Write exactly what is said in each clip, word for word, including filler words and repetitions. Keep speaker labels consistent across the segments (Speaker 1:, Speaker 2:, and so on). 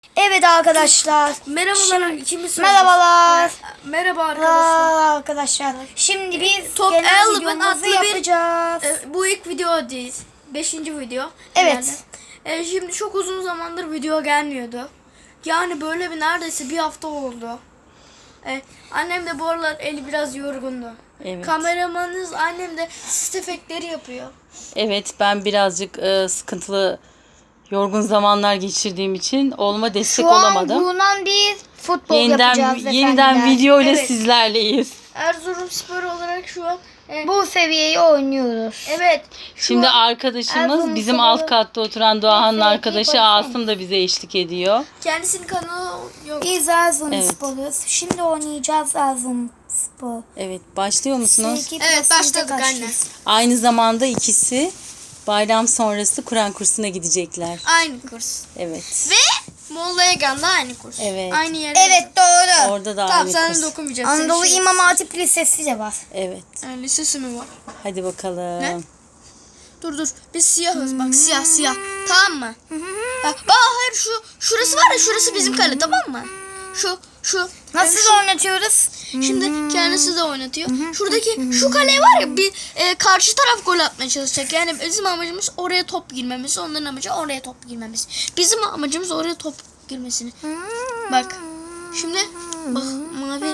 Speaker 1: Evet arkadaşlar.
Speaker 2: Merhabalar ikimiz.
Speaker 1: Merhabalar.
Speaker 2: Merhaba arkadaşlar.
Speaker 1: Aa, arkadaşlar. Şimdi biz
Speaker 2: Top
Speaker 1: genel
Speaker 2: elli
Speaker 1: videomuzu
Speaker 2: adlı bir-
Speaker 1: yapacağız.
Speaker 2: E, bu ilk video değil. Beşinci video.
Speaker 1: Evet.
Speaker 2: herhalde. E, şimdi çok uzun zamandır video gelmiyordu. Yani böyle bir neredeyse bir hafta oldu. E, annem de bu aralar eli biraz yorgundu.
Speaker 3: Evet.
Speaker 2: Kameramanınız annem de sis efektleri yapıyor.
Speaker 3: Evet, ben birazcık e, sıkıntılı, yorgun zamanlar geçirdiğim için oğluma destek
Speaker 1: Şu an
Speaker 3: olamadım.
Speaker 1: bulunan bir futbol
Speaker 3: Yeniden
Speaker 1: yapacağız
Speaker 3: yeniden
Speaker 1: efendiler.
Speaker 3: video ile
Speaker 2: Evet.
Speaker 3: sizlerleyiz.
Speaker 2: Erzurumspor olarak şu an e,
Speaker 1: Bu seviyeyi oynuyoruz.
Speaker 2: evet. Şu
Speaker 3: Şimdi
Speaker 2: an
Speaker 3: arkadaşımız
Speaker 1: Erzurum
Speaker 3: bizim
Speaker 1: Spor'u-
Speaker 3: alt katta oturan Doğan'ın
Speaker 1: Neyse, iyi
Speaker 3: arkadaşı
Speaker 1: koysana.
Speaker 3: Asım da bize eşlik ediyor.
Speaker 2: kendisinin kanalı yok.
Speaker 1: Biz Erzurum
Speaker 3: Evet.
Speaker 1: Spor'uz. Şimdi oynayacağız Erzurum Spor.
Speaker 3: Evet, başlıyor musunuz?
Speaker 1: Sevgi
Speaker 2: Evet,
Speaker 1: plasında
Speaker 2: başladık
Speaker 1: kaçtınız.
Speaker 2: anne.
Speaker 3: Aynı zamanda ikisi bayram sonrası Kur'an kursuna gidecekler.
Speaker 2: Aynı kurs.
Speaker 3: Evet.
Speaker 2: Ve Molla Egan'da aynı kurs.
Speaker 3: Evet.
Speaker 2: Aynı yerde.
Speaker 1: Evet doğru.
Speaker 3: Orada da
Speaker 2: Tamam
Speaker 3: aynı
Speaker 2: sen
Speaker 3: kurs.
Speaker 2: de okumayacaksın.
Speaker 1: Anadolu
Speaker 2: Şey-
Speaker 1: İmam Hatip Lisesi de var.
Speaker 3: Evet.
Speaker 2: Yani lisesi mi var?
Speaker 3: Hadi bakalım.
Speaker 2: Ne? Dur dur. Biz siyahız bak siyah siyah. Tamam mı? Ha, aa hayır şu şurası var ya şurası bizim kale tamam mı? Şu şu
Speaker 1: Nasıl
Speaker 2: şu-
Speaker 1: oynatıyoruz?
Speaker 2: Şimdi kendisi de oynatıyor. Şuradaki şu kale var ya bir e, karşı taraf gol atmaya çalışacak. Yani bizim amacımız oraya top girmemiz. Onların amacı oraya top girmemiz. Bizim amacımız oraya top girmesini. Bak. Şimdi bak mavi.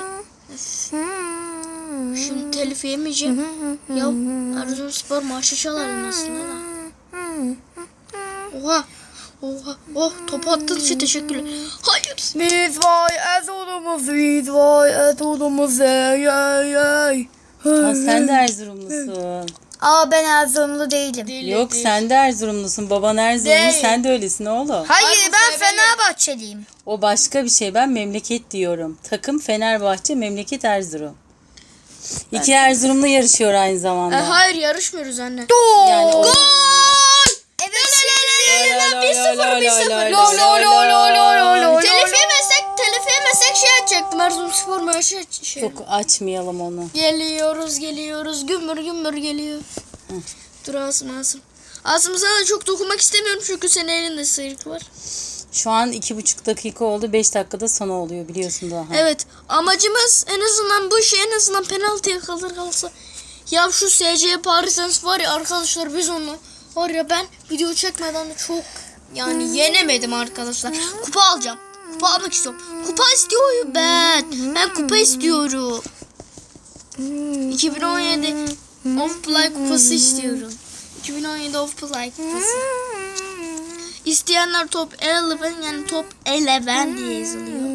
Speaker 2: Şimdi telif yemeyeceğim. Ya Erzurumspor marşı çalar aslında da. Oha. Oha. Oh topu attığın için teşekkürler. Hayır.
Speaker 1: Biz vay Erzurum'uz, biz vay Erzurum'uz, ey ey ey.
Speaker 3: Ha, sen de Erzurumlusun.
Speaker 1: Aa ben Erzurumlu değilim.
Speaker 2: Değil,
Speaker 3: Yok
Speaker 2: değil.
Speaker 3: sen de Erzurumlusun. Baban Erzurumlu,
Speaker 2: Değil.
Speaker 3: sen de öylesin oğlum.
Speaker 1: Hayır
Speaker 2: Ay, bu
Speaker 1: ben
Speaker 2: sebebi-
Speaker 1: Fenerbahçeliyim.
Speaker 3: O başka bir şey. Ben memleket diyorum. Takım Fenerbahçe, memleket Erzurum. İki Erzurumlu yarışıyor aynı
Speaker 2: E,
Speaker 3: zamanda.
Speaker 2: hayır yarışmıyoruz anne.
Speaker 3: Yani o-
Speaker 1: Evet
Speaker 2: bir sıfır bir sıfır.
Speaker 3: Lo, lo, lo, lo, lo, lo, lo.
Speaker 2: Telif yemesek, telif yemesek şey açacaktım. Erzurumspor maçı şey.
Speaker 3: Çok açmayalım onu.
Speaker 2: Geliyoruz, geliyoruz. Gümbür gümbür geliyor. Dur Asım, Asım. Asım sana da çok dokunmak istemiyorum çünkü senin elinde sıyrık var.
Speaker 3: Şu an iki buçuk dakika oldu. Beş dakikada sonu oluyor biliyorsun daha.
Speaker 2: Evet, amacımız en azından bu şey en azından penaltıya kalır kalsa. Ya şu S C Paris var ya arkadaşlar biz onu var ya ben video çekmeden de çok yani yenemedim arkadaşlar. Kupa alacağım. Kupa almak istiyorum. Kupa istiyorum ben. Ben kupa istiyorum. iki bin on yedi Of Play kupası istiyorum. iki bin on yedi Of Play kupası. İsteyenler top on yani top on diye yazılıyor.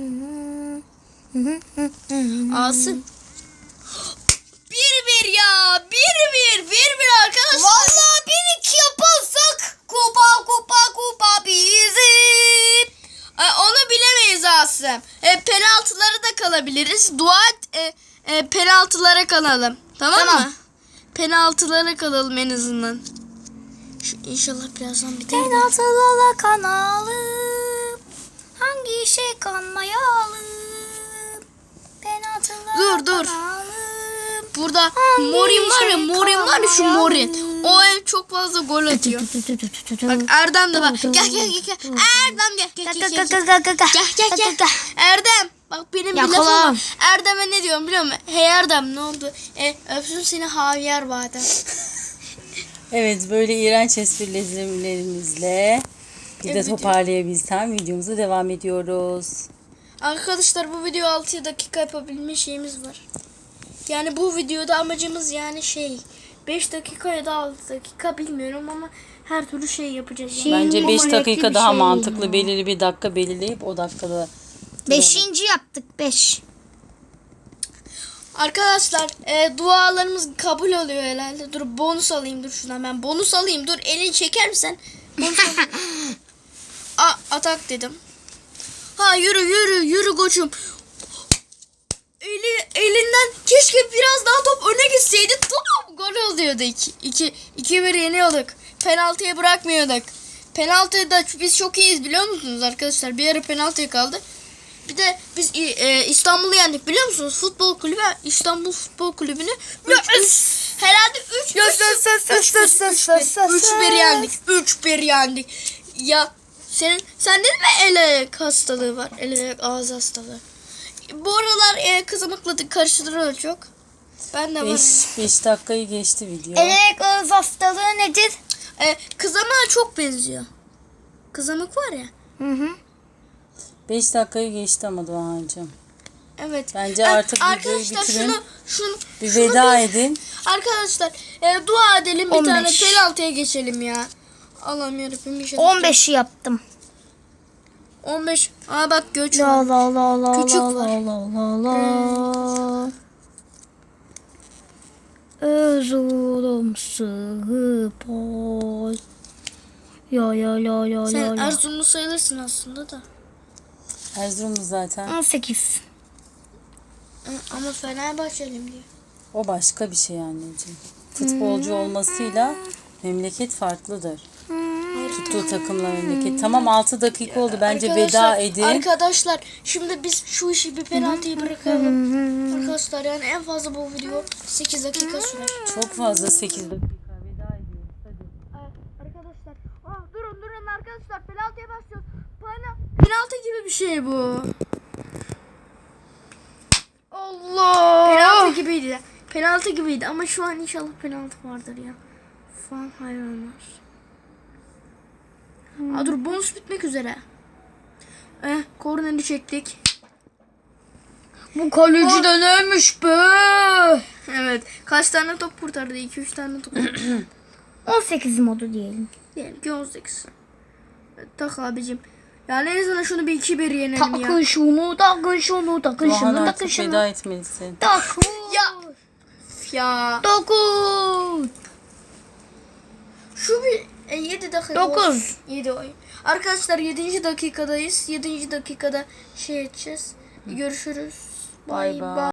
Speaker 2: Asım. Bir bir ya. Bir bir. Bir bir arkadaşlar.
Speaker 1: Vallahi bir iki yaparsak kupa kupa kupa bizim.
Speaker 2: E, onu bilemeyiz Asım. E, penaltıları da kalabiliriz. Dua et, e, e, penaltılara kalalım. Tamam,
Speaker 1: Tamam.
Speaker 2: mı? Penaltılara kalalım en azından. Şu inşallah birazdan biter.
Speaker 1: Penaltılarla kanalım. Hangi işe kanmayalım? Penaltılarla
Speaker 2: Dur, dur.
Speaker 1: kanalım.
Speaker 2: Burada
Speaker 1: Hangi
Speaker 2: Morin var ya
Speaker 1: şey
Speaker 2: Morin var ya şu
Speaker 1: kalmayan?
Speaker 2: Morin. O ev çok fazla gol atıyor. Bak Erdem de bak. Gel gel gel gel. Erdem gel gel gel gel. Gel gel gel gel. Erdem. Bak benim bir lafım
Speaker 1: Yakalan.
Speaker 2: var. Erdem'e ne diyorum biliyor musun? Hey Erdem ne oldu? E, öpsün seni Javier Badem.
Speaker 3: Evet, böyle iğrenç esprilerimizle bir de
Speaker 2: Evet.
Speaker 3: toparlayabilsem videomuza devam ediyoruz.
Speaker 2: Arkadaşlar bu video altı dakika yapabilme şeyimiz var. Yani bu videoda amacımız yani şey beş dakika ya da altı dakika bilmiyorum ama her türlü şey yapacağız. Yani.
Speaker 1: Şey-
Speaker 3: Bence beş
Speaker 1: Numaretli
Speaker 3: dakika
Speaker 1: bir
Speaker 3: daha
Speaker 1: şey
Speaker 3: mantıklı.
Speaker 1: ya.
Speaker 3: Belirli bir dakika belirleyip o dakikada.
Speaker 1: Beşinci yaptık beş.
Speaker 2: Arkadaşlar e, dualarımız kabul oluyor herhalde. Dur bonus alayım dur şuna ben bonus alayım. Dur elini çeker misin? Bonus alayım. A, atak dedim. Ha yürü yürü yürü koçum. Eli, elinden keşke biraz daha top öne gitseydi. Tamam gol oluyordu. iki iki iki bir yeniyorduk. Penaltıya bırakmıyorduk. Penaltıda biz çok iyiyiz biliyor musunuz arkadaşlar? Bir ara penaltıya kaldı. Bir de biz e, İstanbul'u yendik biliyor musunuz? Futbol kulübü İstanbul Futbol Kulübü'nü herhalde üç bir yendik. üç bir yendik. Ya Senin sende de mi el ayak hastalığı var? El ayak ağız hastalığı. Bu aralar e, kızamıkla karıştırıyor çok. Ben de var.
Speaker 3: beş dakikayı geçti video.
Speaker 1: Elek ağız hastalığı nedir?
Speaker 2: E, kızamığa çok benziyor. Kızamık var ya.
Speaker 1: Hı hı.
Speaker 3: beş dakikayı geçti ama Doğancığım.
Speaker 2: Evet.
Speaker 3: Bence
Speaker 2: E,
Speaker 3: artık videoyu
Speaker 2: arkadaşlar
Speaker 3: bitirin.
Speaker 2: şunu şunu
Speaker 3: Bir
Speaker 2: şunu
Speaker 3: veda
Speaker 2: bir-
Speaker 3: edin.
Speaker 2: Arkadaşlar e, dua edelim bir
Speaker 1: on
Speaker 2: tane
Speaker 1: beş.
Speaker 2: penaltıya geçelim ya. Allah'ım yarabbim bir şey.
Speaker 1: on beşi yaptım.
Speaker 2: on beş. Aa bak göç var.
Speaker 1: La la la la
Speaker 2: Küçük
Speaker 1: la
Speaker 2: var.
Speaker 1: la la la. Erzurum Spor. Ya ya la la
Speaker 2: Sen
Speaker 1: la la.
Speaker 2: Erzurumlu sayılırsın aslında da.
Speaker 3: Erzurumlu zaten.
Speaker 1: on sekiz.
Speaker 2: Hı, Ama Fenerbahçeliyim diyor.
Speaker 3: O başka bir şey anneciğim. Futbolcu olmasıyla memleket farklıdır. Tuttuğu takımla memleket. Tamam altı dakika oldu. Bence veda edin.
Speaker 2: Arkadaşlar şimdi biz şu işi bir penaltıyı bırakalım. Arkadaşlar yani en fazla bu video sekiz dakika sürer.
Speaker 3: Çok fazla sekiz dakika. Veda ediyoruz. Hadi.
Speaker 2: Arkadaşlar aa, durun durun arkadaşlar penaltıya başlıyoruz. Pena, penaltı gibi bir şey bu.
Speaker 1: Allah.
Speaker 2: Penaltı gibiydi. Penaltı gibiydi ama şu an inşallah penaltı vardır ya. Fan hayranlar. Aa, dur bonus bitmek üzere. Eh korneri çektik.
Speaker 1: Bu kaleci de neymiş be?
Speaker 2: Evet. Kaç tane top kurtardı? iki üç tane top.
Speaker 1: on sekiz modu diyelim.
Speaker 2: Diyelim ki on sekiz. Evet, tak abicim. Yani en azından şunu bir iki bir yenelim ya.
Speaker 1: Takın şunu, takın şunu, takın
Speaker 3: Doğan
Speaker 1: şunu, takın
Speaker 3: artık
Speaker 1: şunu.
Speaker 3: veda etmelisin.
Speaker 1: Takın.
Speaker 2: Ya. Ya.
Speaker 1: Dokuz.
Speaker 2: Şu bir e, yedi dakika.
Speaker 1: Dokuz.
Speaker 2: yedi oy. Arkadaşlar yedinci dakikadayız. yedinci dakikada şey edeceğiz. Görüşürüz.
Speaker 3: Bay
Speaker 2: Bye
Speaker 3: bay.
Speaker 2: bye.